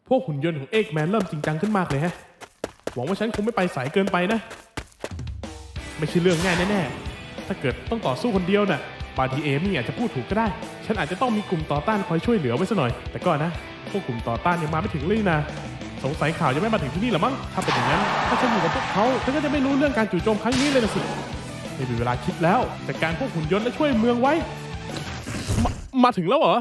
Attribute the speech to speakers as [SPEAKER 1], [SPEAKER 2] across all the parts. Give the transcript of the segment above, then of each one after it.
[SPEAKER 1] พวกหุ่นยนต์ของเอกแมนเริ่มจริงจังขึ้นมากเลยฮะหวังว่าฉันคงไม่ไปสายเกินไปนะไม่ใช่เรื่องง่ายแน่ๆถ้าเกิดต้องต่อสู้คนเดียวน่ะบางทีเอมี่อาจจะพูดถูกก็ได้ฉันอาจจะต้องมีกลุ่มต่อต้านคอยช่วยเหลือไว้ซะหน่อยแต่ก็นะพวกกลุ่มต่อต้านยังมาไม่ถึงเลยนะสงสัยข่าวยังไม่มาถึงที่นี่หรอมั้งถ้าเป็นอย่างนั้นถ้าฉันอยู่กับพวกเขาฉันก็จะไม่รู้เรื่องการจู่โจมครั้งนี้เลยนะสิไม่มีเวลาคิดแล้วจัดการพวกหุ่นยนต์และช่วยเมืองไว้มาถึงแล้วเหรอ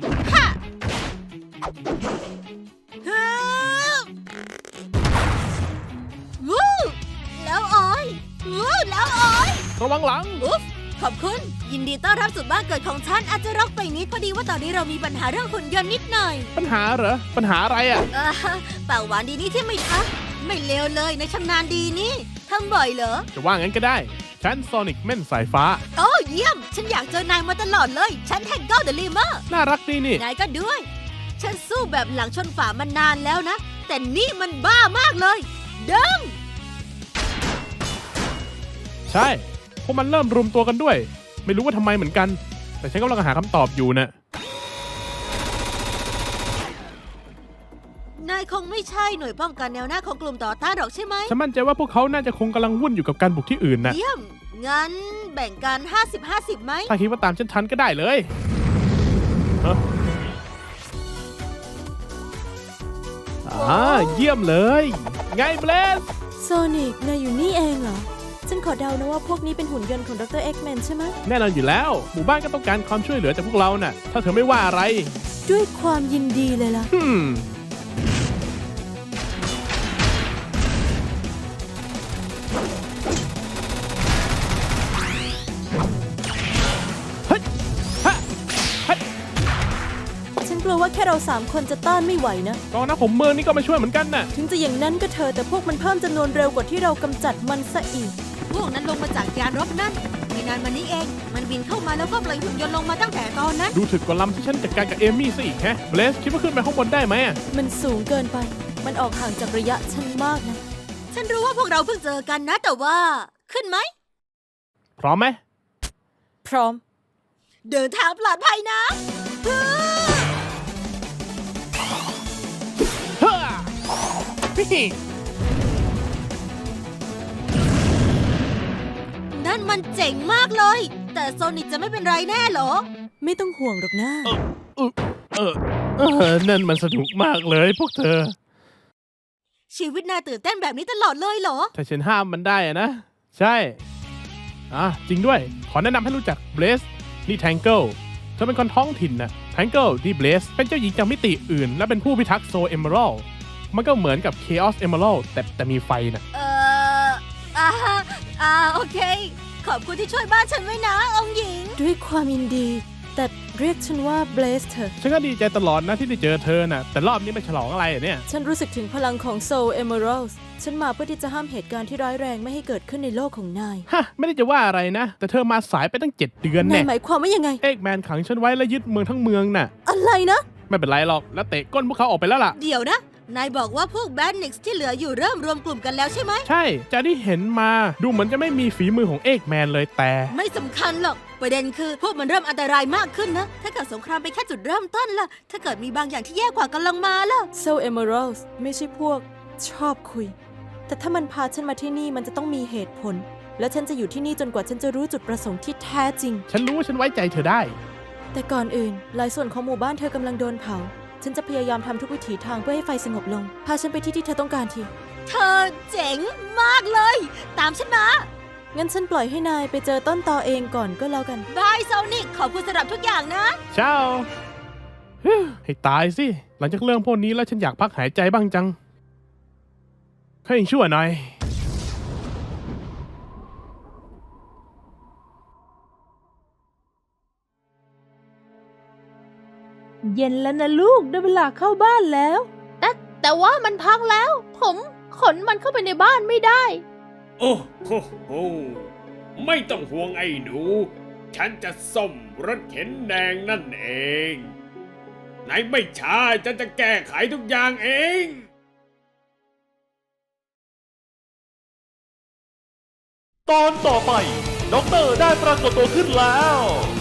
[SPEAKER 2] วู้แล้วออยวู้แล้วออย
[SPEAKER 1] ระวังหลัง
[SPEAKER 2] อุ๊ฟขอบคุณยินดีต้อนรับสู่บ้านเกิดของฉันอาจจะรกไปนิดพอดีว่าตอนนี้เรามีปัญหาเรื่องหุ่นยนต์นิดหน่อย
[SPEAKER 1] ปัญหาเหรอปัญหาอะไรอ่ะ
[SPEAKER 2] ปากหวานดีนี่ที่ไม่ทักไม่เลวเลยในชำนาญดีนี่ทำบ่อยเหรอ
[SPEAKER 1] จะว่างั้นก็ได้ฉันโซนิกแม่นสายฟ้า
[SPEAKER 2] โอ้เยี่ยมฉันอยากเจอนายมาตลอดเลยฉันแทงเกิลเดอะลิเมอร์
[SPEAKER 1] น่ารักดีนี่
[SPEAKER 2] นายก็ด้วยฉันสู้แบบหลังชนฝามานานแล้วนะแต่นี่มันบ้ามากเลยดึง
[SPEAKER 1] ใช่พวกมันเริ่มรวมตัวกันด้วยไม่รู้ว่าทำไมเหมือนกันแต่ฉันกำลังหาคำตอบอยู่นะ
[SPEAKER 2] นายคงไม่ใช่หน่วยป้องกันแนวหน้าของกลุ่มต่อต้านหรอกใช่ไหม
[SPEAKER 1] ฉันมั่นใจว่าพวกเขาน่าจะคงกำลังวุ่นอยู่กับการบุกที่อื่นนะ
[SPEAKER 2] เยี่ยมงั้นแบ่งกัน 50-50 ไหม
[SPEAKER 1] ถ้าคิดว่าตามฉันทันก็ได้เลยฮะเยี่ยมเลยไงเบลส
[SPEAKER 3] โซนิกนายอยู่นี่เองเหรอ ฉันขอเดานะว่าพวกนี้เป็นหุ่นยนต์ของดรเอ็กแมนใช่ไหม
[SPEAKER 1] แน่นอนอยู่แล้วหมู่บ้านก็ต้องการความช่วยเหลือจากพวกเราน่ะถ้าเธอไม่ว่าอะไร
[SPEAKER 3] ด้วยความยินดีเลยล่ะ
[SPEAKER 1] เฮ้ยฮะเฮ้ย
[SPEAKER 3] ฉันกลัวว่าแค่เรา3 คนจะต้านไม่ไหวนะ
[SPEAKER 1] กองนักผมเมืองนี่ก็มาช่วยเหมือนกันน่ะ
[SPEAKER 3] ถึงจะอย่างนั้นก็เถอะแต่พวกมันเพิ่มจำนวนเร็วกว่าที่เรากำจัดมันซะอีก
[SPEAKER 2] พวกนั้นลงมาจากยานรบนั่นไม่นานมานี้เอง มันบินเข้ามาแล้วก็ปล่อยหุ่นยนต์ลงมาตั้งแต่ตอนนั้น
[SPEAKER 1] ดูถึกกว่าลำที่ฉันจัดการกับเอมี่ซะอีกแฮะเบลสคิดว่าขึ้นไปข้างบนได้ไหมอะ
[SPEAKER 3] มันสูงเกินไป มันออกห่างจากระยะฉันมากนะ
[SPEAKER 2] ฉันรู้ว่าพวกเราเพิ่งเจอกันนะแต่ว่าขึ้นไหม
[SPEAKER 1] พร้อมไหม
[SPEAKER 3] พร้อม
[SPEAKER 2] เดินทางปลอดภัยนะฮึ่ม
[SPEAKER 1] ฮ่าฮิฮิ
[SPEAKER 2] นั่นมันเจ๋งมากเลย แต่โซนิกจะไม่เป็นไรแน่เหรอ
[SPEAKER 3] ไม่ต้องห่วงหรอกนะ
[SPEAKER 1] นั่นมันสนุกมากเลยพวกเธอ
[SPEAKER 2] ชีวิตนายตื่นเต้นแบบนี้ตลอดเลยเหรอ
[SPEAKER 1] ถ้าฉันห้ามมันได้อะนะ ใช่จริงด้วย ขอแนะนำให้รู้จักเบลสนี่แทงเกิลเธอเป็นคนท้องถิ่นนะแทงเกิลที่เบลสเป็นเจ้าหญิงจากมิติอื่น และเป็นผู้พิทักษ์โซเอเมอรัลมันก็เหมือนกับ Chaos Emerald แต่มีไฟนะ
[SPEAKER 2] โอเค ขอบคุณที่ช่วยบ้านฉันไว้นะองค์หญิง
[SPEAKER 3] ด้วยความยินดี แต่เรียกฉันว่าเบลสเถอะ
[SPEAKER 1] ฉันก็ดีใจตลอดนะที่ได้เจอเธอนะแต่รอบนี้ไม่ฉลองอะไรอะเนี่ย
[SPEAKER 3] ฉันรู้สึกถึงพลังของ Soul Emeralds ฉันมาเพื่อที่จะห้ามเหตุการณ์ที่ร้ายแรงไม่ให้เกิดขึ้นในโลกของนาย
[SPEAKER 1] ฮะ ไม่ได้จะว่าอะไรนะ แต่เธอมาสายไปตั้ง 7 เดือน
[SPEAKER 3] นา
[SPEAKER 1] แน่
[SPEAKER 3] ยหมายความว่ายังไง
[SPEAKER 1] เอกแมนขังฉันไว้และยึดเมืองทั้งเมืองน่ะ
[SPEAKER 3] อะไรนะ
[SPEAKER 1] ไม่เป็นไรหรอกแล้วเตะก้นพวกเขาออกไปแล้วล่ะ
[SPEAKER 2] เดี๋ยวนะ นายบอกว่าพวกแบดนิกส์ที่เหลืออยู่เริ่มรวมกลุ่มกันแล้วใช่ไหม
[SPEAKER 1] ใช่จากที่เห็นมาดูเหมือนจะไม่มีฝีมือของเอกแมนเลยแต่
[SPEAKER 2] ไม่สำคัญหรอก ประเด็นคือพวกมันเริ่มอันตรายมากขึ้นนะ ถ้าเกิดสงครามเป็นแค่จุดเริ่มต้นล่ะ ถ้าเกิดมีบางอย่างที่แย่กว่ากำลังมาล่ะ
[SPEAKER 3] Soul Emeralds ไม่ใช่พวกชอบคุย แต่ถ้ามันพาฉันมาที่นี่มันจะต้องมีเหตุผล และฉันจะอยู่ที่นี่จนกว่าฉันจะรู้จุดประสงค์ที่แท้จริง
[SPEAKER 1] ฉันรู้ว่าฉันไว้ใจเธอได้
[SPEAKER 3] แต่ก่อนอื่น หลายส่วนของหมู่บ้านเธอกำลังโดนเผา ฉันจะพยายามทำทุกวิถีทางเพื่อให้ไฟสงบลง พาฉันไปที่ที่เธอต้องการที
[SPEAKER 2] เธอเจ๋งมากเลย ตามฉันมา
[SPEAKER 3] งั้นฉันปล่อยให้นายไปเจอต้นตอเองก่อนก็แล้วกัน
[SPEAKER 2] บายโซนิกขอบคุณสำหรับทุกอย่างนะ
[SPEAKER 1] เช้าให้ตายสิ หลังจากเรื่องพวกนี้แล้วฉันอยากพักหายใจบ้างจังให้ยังชั่วหน่อย
[SPEAKER 4] เย็นแล้วนะลูกได้เวลาเข้าบ้านแล้ว แต่ว่ามันพังแล้ว ผมขนมันเข้าไปในบ้านไม่ได้
[SPEAKER 5] โอ้โหโหไม่ต้องห่วงไอ้หนู ฉันจะซ่อมรถเข็นแดงนั่นเองไหนไม่ช้าฉันจะแก้ไขทุกอย่างเอง
[SPEAKER 6] ตอนต่อไปด็อกเตอร์ได้ปรากฏตัวขึ้นแล้ว